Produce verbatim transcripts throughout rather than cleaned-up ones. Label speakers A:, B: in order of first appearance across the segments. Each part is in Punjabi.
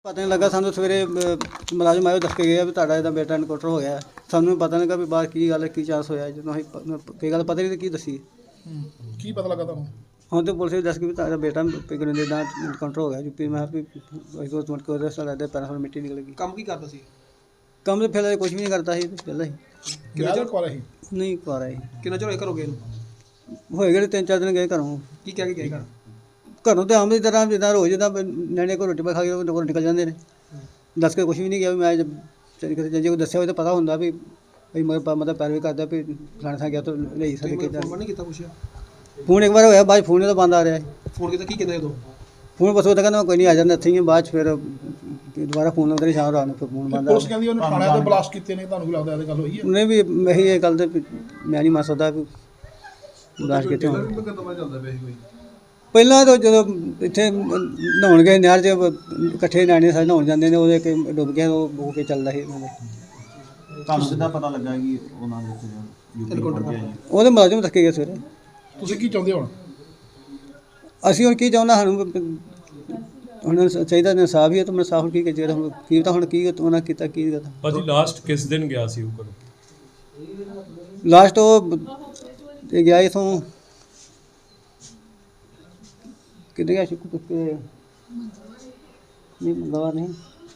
A: ਪਤਾ ਨਹੀਂ ਲੱਗਾ ਸਾਨੂੰ ਸਵੇਰੇ ਅਹ, ਮੁਲਾਜ਼ਮ ਆਇਓ ਦੱਸ ਕੇ ਗਿਆ ਵੀ ਤੁਹਾਡਾ ਇਹਦਾ ਬੇਟਾ ਐਨਕਾਊਂਟਰ ਹੋ ਗਿਆ। ਸਾਨੂੰ ਪਤਾ ਨਹੀਂ ਲੱਗਾ ਵੀ ਬਾਹਰ ਕੀ ਗੱਲ ਹੈ, ਕੀ ਚਾਂਸ ਹੋਇਆ। ਜਦੋਂ ਅਸੀਂ ਪ- ਕੀ ਗੱਲ ਪਤਾ ਨਹੀਂ ਕੀ ਦੱਸੀ।
B: ਕੀ ਪਤਾ ਲੱਗਾ ਤੁਹਾਨੂੰ?
A: ਹੁਣ ਤੇ ਪੁਲਿਸ ਵੀ ਦੱਸ ਕੇ ਵੀ ਤੁਹਾਡਾ ਬੇਟਾ ਪਿਗਨ ਦੇ ਦਾ ਐਨਕਾਊਂਟਰ ਹੋ ਗਿਆ ਯੂਪੀ। ਮੈਂ ਕਿਹਾ ਵੀ ਅਸੀਂ ਤੋਂ ਕੇ ਉਹਦੇ ਸਾਡਾ ਦੇ ਪੈਰਾਂ ਤੋਂ ਮਿੱਟੀ ਨਿਕਲ ਗਈ।
C: ਕੰਮ ਕੀ ਕਰਦਾ ਸੀ?
A: ਕੰਮ ਤੇ ਫਿਰ ਕੁਝ ਵੀ ਨਹੀਂ ਕਰਦਾ ਸੀ ਪਹਿਲਾਂ ਹੀ।
B: ਕਿੰਨਾ ਚਿਰ ਕੋਲ ਸੀ?
A: ਨਹੀਂ ਕਰ ਆਏ
C: ਕਿੰਨਾ ਚਿਰ ਹੋਇਆ ਘਰੋਂ ਗਏ ਨੂੰ?
A: ਹੋਏ ਗਏ ਤਿੰਨ ਚਾਰ ਦਿਨ ਗਏ ਘਰੋਂ।
C: ਕੀ ਕਹਿ ਕੇ ਗਏ ਘਰ?
A: ਘਰੋਂ ਤੇ ਆਮ ਦੀ ਤਰ੍ਹਾਂ ਜਿੱਦਾਂ ਰੋਜ਼ ਜਿੱਦਾਂ ਨਿਆਣੇ ਕੋਲ ਰੋਟੀ ਪਾ ਖਾ ਕੇ ਉਹ ਘਰੋਂ ਨਿਕਲ ਜਾਂਦੇ ਨੇ। ਦੱਸ ਕੇ ਕੁਝ ਵੀ ਨਹੀਂ ਗਿਆ ਵੀ ਮੈਂ ਜਦ ਚਲੀ ਕਿਤੇ ਜੇ ਕੋਈ ਦੱਸਿਆ ਹੋਵੇ ਤਾਂ ਪਤਾ ਹੁੰਦਾ ਵੀ ਵੀ ਮਤਲਬ ਮਤਲਬ ਪੈਰਵੀ ਕਰਦਾ ਵੀ ਫਲਾਣੇ ਥਾਂ ਗਿਆ ਤਾਂ ਲਈ ਸਕਦੇ ਕਿ
C: ਫੋਨ ਨਹੀਂ ਕੀਤਾ ਪੁੱਛਿਆ?
A: ਫੋਨ ਇੱਕ ਵਾਰ ਹੋਇਆ, ਬਾਅਦ 'ਚ ਫੋਨ ਤਾਂ ਬੰਦ ਆ ਰਿਹਾ ਹੈ।
C: ਫੋਨ ਕੀਤਾ ਕੀ ਕਹਿੰਦੇ ਉਦੋਂ?
A: ਫੋਨ ਬਸ ਉਹ ਤਾਂ ਕਹਿੰਦਾ ਕੋਈ ਨਹੀਂ ਆ ਜਾਂਦਾ ਇੱਥੇ ਹੀ ਹਾਂ। ਬਾਅਦ 'ਚ ਫਿਰ ਦੁਬਾਰਾ ਫੋਨ ਲਾਉਂਦੇ ਰਹੇ ਸ਼ਾਮ ਰਾਤ ਨੂੰ, ਫਿਰ ਫੋਨ ਬੰਦ ਆ
B: ਪੁਲਿਸ ਕਹਿੰਦੀ ਉਹਨੇ ਥਾਣੇ ਤੇ ਬਲਾਸਟ ਕੀਤੇ ਨੇ, ਤੁਹਾਨੂੰ ਕੀ ਲੱਗਦਾ ਇਹਦੇ ਗੱਲ ਹੋਈ ਹੈ?
A: ਉਹਨੇ ਵੀ ਮੈਂ ਇਹ ਗੱਲ ਤੇ ਵੀ ਮੈਂ ਨਹੀਂ ਮੰਨ ਸਕਦਾ ਵੀ ਉਦਾਸ ਕਿਤੇ ਹੋਣ। ਪਹਿਲਾਂ ਤਾਂ ਜਦੋਂ ਇੱਥੇ ਨਹਾਉਣ ਗਏ ਨਹਿਰ 'ਚ ਇਕੱਠੇ ਨਿਆਣੇ ਸਾਰੇ ਨਹਾਉਣ ਜਾਂਦੇ ਨੇ, ਉਹਦੇ ਕਿ ਡੁੱਬ ਗਿਆ, ਉਹ ਬੋ ਕੇ ਚੱਲਦਾ ਸੀ ਉਹਨਾਂ ਦੇ।
D: ਤੁਹਾਨੂੰ ਕਿੱਦਾਂ ਪਤਾ ਲੱਗਾ ਕਿ ਉਹਨਾਂ ਦੇ ਯੂਪੀ ਪਹੁੰਚ ਗਿਆ ਜੀ?
A: ਉਹਦੇ ਮੁਲਾਜ਼ਮ ਥੱਕੇ ਗਏ ਸਵੇਰੇ।
B: ਤੁਸੀਂ ਕੀ ਚਾਹੁੰਦੇ ਹੋ ਹੁਣ?
A: ਅਸੀਂ ਹੁਣ ਕੀ ਚਾਹੁੰਦਾ, ਸਾਨੂੰ ਹੁਣ ਚਾਹੀਦਾ ਇਨਸਾਫ ਹੀ ਹੈ। ਤਾਂ ਮੈਂ ਸਾਫ ਕੀ ਚਾਹੀਦਾ ਹੁਣ ਕੀ ਤਾਂ ਹੁਣ ਕੀ ਉਹਨਾਂ ਕੀਤਾ ਕੀ ਕੀਤਾ।
E: ਭਾਜੀ ਲਾਸਟ ਕਿਸ ਦਿਨ ਗਿਆ ਸੀ ਉਹ ਘਰੋਂ?
A: ਲਾਸਟ ਉਹ ਇਹ ਗਿਆ ਇਥੋਂ ਕਿੱਥੇ ਗਿਆ ਸ਼ੁਕਰ ਤੇ ਨਹੀਂ ਮੰਗਵਾ ਨਹੀਂ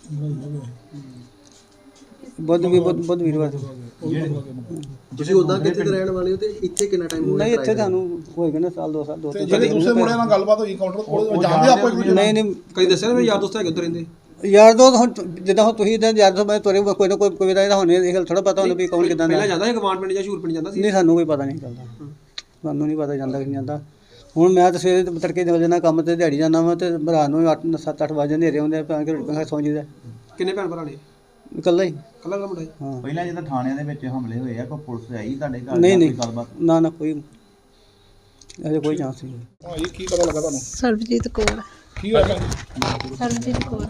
A: ਬੁੱਧ ਵੀ ਬੁੱਧ ਬੁੱਧ ਵੀਰਵਾਰ
C: ਤੁਸੀਂ ਉਦਾਂ ਕਿੱਥੇ ਦੇ ਰਹਿਣ ਵਾਲੇ ਹੋ ਤੇ ਇੱਥੇ ਕਿੰਨਾ ਟਾਈਮ ਹੋ ਗਿਆ?
A: ਨਹੀਂ ਇੱਥੇ ਤੁਹਾਨੂੰ ਹੋਏਗਾ ਨਾ ਸਾਲ ਦੋ ਸਾਲ ਦੋ
B: ਤੇ
A: ਤਿੰਨ
B: ਜਿਹੜੇ ਦੂਸਰੇ ਮੁੰਡਿਆਂ ਨਾਲ ਗੱਲਬਾਤ ਹੋਈ ਕਾਊਂਟਰ ਕੋਲ, ਜਾਣਦੇ ਆਪਾਂ ਇੱਕ ਦੂਜੇ ਨੂੰ?
A: ਨਹੀਂ ਨਹੀਂ
C: ਕਦੀ ਦੱਸਿਆ ਨਾ ਮੇਰੇ ਯਾਰ ਦੋਸਤ ਹੈਗੇ ਉੱਧਰ ਰਹਿੰਦੇ?
A: ਯਾਰ ਦੋ ਹੁਣ ਜਿੱਦਾਂ ਹੁਣ ਤੁਸੀਂ ਤਾਂ ਯਾਰ ਦੋ ਮੈਂ ਤੁਰੇ ਕੋਈ ਨਾ ਕੋਈ ਕੋਈ ਦਾ ਇਹਦਾ ਹੋਣੇ ਇਹ ਗੱਲ ਥੋੜਾ ਪਤਾ ਹੁੰਦਾ ਵੀ ਕੌਣ ਕਿੱਦਾਂ ਦਾ।
C: ਪਹਿਲਾਂ ਜਾਂਦਾ ਸੀ ਗਵਾਂਡ ਪਿੰਡ ਜਾਂ ਸ਼ੂਰ ਪਿੰਡ ਜਾਂਦਾ ਸੀ?
A: ਨਹੀਂ ਸਾਨੂੰ ਕੋਈ ਪਤਾ ਨਹੀਂ ਚੱਲਦਾ, ਸਾਨੂੰ ਨਹੀਂ ਪਤਾ ਜਾਂਦਾ ਕਿ ਨਹੀਂ ਜਾਂਦਾ। ਹੁਣ ਮੈਂ ਤਾਂ ਸਵੇਰੇ ਤੜਕੇ ਨਿਕਲ ਜਾਂਦਾ ਕੰਮ ਤੇ, ਦਿਹਾੜੀ ਜਾਂਦਾ ਵਾ ਤੇ ਰਾਤ ਨੂੰ ਅੱਠ ਸੱਤ ਅੱਠ ਵਜੇ ਹਨੇਰੇ ਹੁੰਦੇ ਆ, ਭਾਵੇਂ ਕਿ ਰੋਟੀ ਖਾ ਕੇ ਸੌਂ ਜੀਦਾ।
C: ਕਿੰਨੇ ਭੈਣ ਭਰਾ ਨੇ?
A: ਇਕੱਲਾ ਹੀ।
C: ਕੱਲਾ ਕੱਲਾ ਮੁੰਡਾ ਸੀ?
A: ਹਾਂ
D: ਪਹਿਲਾਂ ਜਦੋਂ ਥਾਣਿਆਂ ਦੇ ਵਿੱਚ ਹਮਲੇ ਹੋਏ ਆ ਕੋਈ ਪੁਲਿਸ ਆਈ ਤੁਹਾਡੇ ਘਰ
A: ਨਹੀਂ
D: ਜਾਂ
A: ਨਹੀਂ
D: ਕੋਈ ਗੱਲਬਾਤ?
A: ਨਾ ਨਾ ਕੋਈ ਅਜੇ ਕੋਈ ਚਾਂਸ ਨਹੀਂ।
B: ਹਾਂ ਇਹ ਕੀ ਪਤਾ ਲੱਗਾ ਤੁਹਾਨੂੰ?
F: ਸਰਬਜੀਤ ਕੌਰ।
B: ਕੀ ਹੋਇਆ ਭੈਣ ਜੀ?
F: ਸਰਬਜੀਤ ਕੌਰ।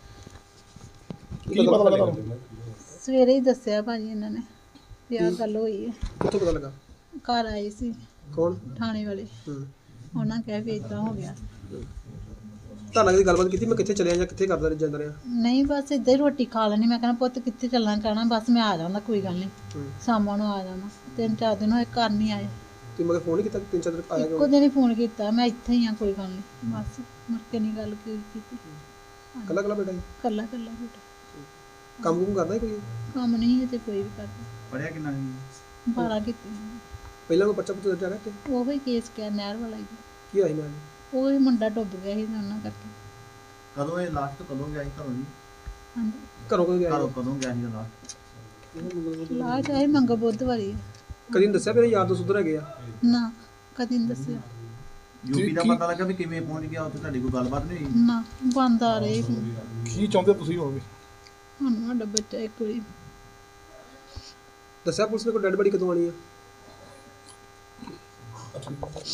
B: ਕੀ ਪਤਾ ਲੱਗਾ ਤੁਹਾਨੂੰ?
F: ਸਵੇਰੇ ਹੀ ਦੱਸਿਆ ਭਾਜੀ ਇਹਨਾਂ ਨੇ ਵੀ ਆਹ ਗੱਲ ਹੋਈ ਹੈ।
C: ਕਿੱਥੋਂ ਪਤਾ ਲੱਗਾ?
F: ਘਰ ਆਏ ਸੀ
C: ਕੌਣ?
F: ਥਾਣੇ ਵਾਲੇ,
C: ਹੂੰ।
F: ਉਹਨਾਂ ਕਿਹਾ ਵੀ ਇਦਾਂ ਹੋ ਗਿਆ।
C: ਤਾਂ ਨਾਲ ਗੱਲਬਾਤ ਕੀਤੀ ਮੈਂ ਕਿੱਥੇ ਚੱਲਿਆ ਜਾਂ ਕਿੱਥੇ ਕਰਦਾ ਜਾਂਦਾ ਰਿਹਾ?
F: ਨਹੀਂ ਬਸ ਇੱਦਾਂ ਹੀ ਰੋਟੀ ਖਾ ਲੈਣੀ। ਮੈਂ ਕਹਿੰਦਾ ਪੁੱਤ ਕਿੱਥੇ ਚੱਲਣਾ, ਕਹਿਣਾ ਬਸ ਮੈਂ ਆ ਜਾਂਦਾ ਕੋਈ ਗੱਲ ਨਹੀਂ,
C: ਹੂੰ।
F: ਸ਼ਾਮਾਂ ਨੂੰ ਆ ਜਾਣਾ। ਤਿੰਨ ਚਾਰ ਦਿਨ ਹੋਏ ਘਰ ਨਹੀਂ ਆਏ।
C: ਤੁਸੀਂ ਮਗਰ ਫੋਨ ਨਹੀਂ ਕੀਤਾ? ਤਿੰਨ ਚਾਰ ਦਿਨ ਆਇਆ
F: ਇੱਕੋ
C: ਕਿਉਂ?
F: ਦਿਨ ਹੀ ਫੋਨ ਕੀਤਾ, ਮੈਂ ਇੱਥੇ ਹੀ ਆ ਕੋਈ ਗੱਲ ਨਹੀਂ, ਬਸ ਮੁੜ ਕੇ ਨਹੀਂ ਗੱਲ ਕੀ- ਕੀਤੀ।
C: ਕੱਲਾ ਕੱਲਾ ਬੇਟਾ ਸੀ?
F: ਕੱਲਾ ਕੱਲਾ ਬੇਟਾ,
C: ਕੰਮ ਕੁਮ ਕਰਦਾ ਸੀ ਕੋਈ?
F: ਕੰਮ ਨਹੀਂ ਹੈ ਤੇ ਕੋਈ ਵੀ ਕਰਦਾ।
D: ਪੜਿਆ ਕਿੰਨਾ ਸੀ?
F: ਬਾਰਾਂ ਕੀਤੀ।
C: ਪਹਿਲਾਂ ਕੋਈ ਬੱਚਾ ਪੁੱਤ ਦਰਜਾ ਰੱਖੇ?
F: ਉਹ ਹੀ ਕੇਸ ਕਿਆ ਨਹਿਰ ਵਾਲਾ ਹੀ।
C: ਕੀ ਆਈ ਨਾਲ?
F: ਉਹ ਹੀ ਮੁੰਡਾ ਡੁੱਬ ਗਿਆ ਸੀ ਤੇ ਉਹਨਾਂ ਕਰਕੇ।
D: ਕਦੋਂ ਇਹ ਲਾਸਟ ਕਦੋਂ ਗਿਆ ਸੀ ਘਰੋਂ ਜੀ?
F: ਹਾਂਜੀ
C: ਘਰੋਂ ਕਦੋਂ ਗਿਆ
D: ਘਰੋਂ
C: ਸੀ?
D: ਕਦੋਂ ਗਿਆ ਸੀ ਲਾਸਟ?
F: ਲਾ ਚਾਹੇ ਮੰਗ ਬੁੱਧਵਾਰੀ ਆ।
C: ਕਦੀ ਨਹੀਂ ਦੱਸਿਆ ਮੇਰੇ ਯਾਰ ਦੋਸਤ ਉੱਧਰ ਹੈਗੇ ਆ?
F: ਨਾ ਕਦੀ ਨਹੀਂ ਦੱਸਿਆ।
D: ਯੂਪੀ ਦਾ ਪਤਾ ਲੱਗਾ ਵੀ ਕਿਵੇਂ ਪਹੁੰਚ ਗਿਆ ਉੱਥੇ? ਤੁਹਾਡੀ ਕੋਈ ਗੱਲਬਾਤ ਨਹੀਂ ਹੋਈ?
F: ਨਾ ਬੰਦ ਆ ਰਹੇ ਹੁਣ।
B: ਕੀ ਚਾਹੁੰਦੇ ਤੁਸੀਂ ਹੋਵੇ?
F: ਹੁਣ ਸਾਡਾ ਬੱਚਾ ਇੱਕ ਵਾਰੀ
C: ਦੱਸਿਆ ਪੁਲਿਸ ਨੇ ਕੋਈ ਡੈਡ ਬੜੀ ਕਦੋਂ ਆਣੀ ਆ?